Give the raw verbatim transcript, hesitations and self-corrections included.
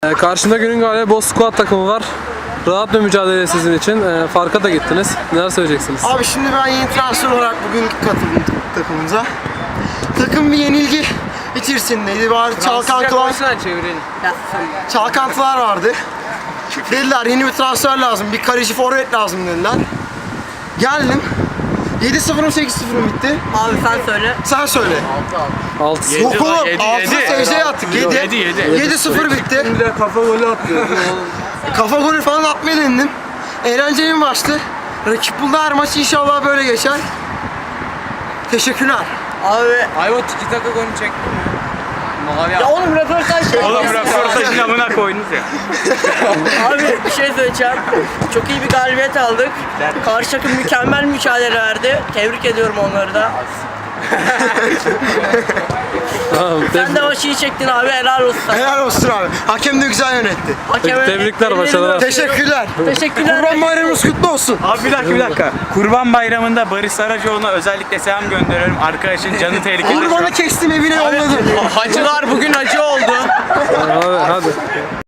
Ee, karşında günün galibi Boz Squad takımı var. Rahat bir mücadele sizin için. Ee, farka da gittiniz. Neler söyleyeceksiniz? Abi şimdi ben yeni transfer olarak bugün katıldım takımımıza. Takım bir yenilgi içerisindeydi. Var çalkantılar, çalkantılar vardı. Dediler yeni bir transfer lazım, bir kaleci forvet lazım dediler. Geldim. yedi sıfır mı sekiz sıfır mı bitti? Abi sen söyle. Sen söyle. altı Yok oğlum, yedi, altına yedi. secdeye attık. Yedi, yedi. yedi sıfır bitti. Bir de kafa golü atıyor. Kafa golü falan atmaya denedim. Eğlenceli bir maçtı. Rakip buldu, her maç inşallah böyle geçer. Teşekkürler. Abi. Ayva tiki taka golünü çekti mi? Mavi Ya oğlum röportaj şey. Oğlum röportajın amına koydunuz ya. Abi bir şey söyleyeceğim. Çok iyi bir galibiyet aldık. Karşı takım mükemmel mücadele verdi. Tebrik ediyorum onları da. Tamam, Sen de maçı iyi çektin abi, helal olsun. Helal olsun abi. Hakem de güzel yönetti. Hakeme Tebrikler, ellerini başarılar. öpüyorum. Teşekkürler. Teşekkürler. Kurban bayramımız kutlu olsun. Abi bir dakika bir dakika. Kurban Bayramı'nda Barış Saracoğlu'na özellikle selam gönderiyorum. Arkadaşın canı tehlikede. şu an. Kurbanı kestim, evine yolladım. Hacılar bugün hacı oldu. Hadi, hadi.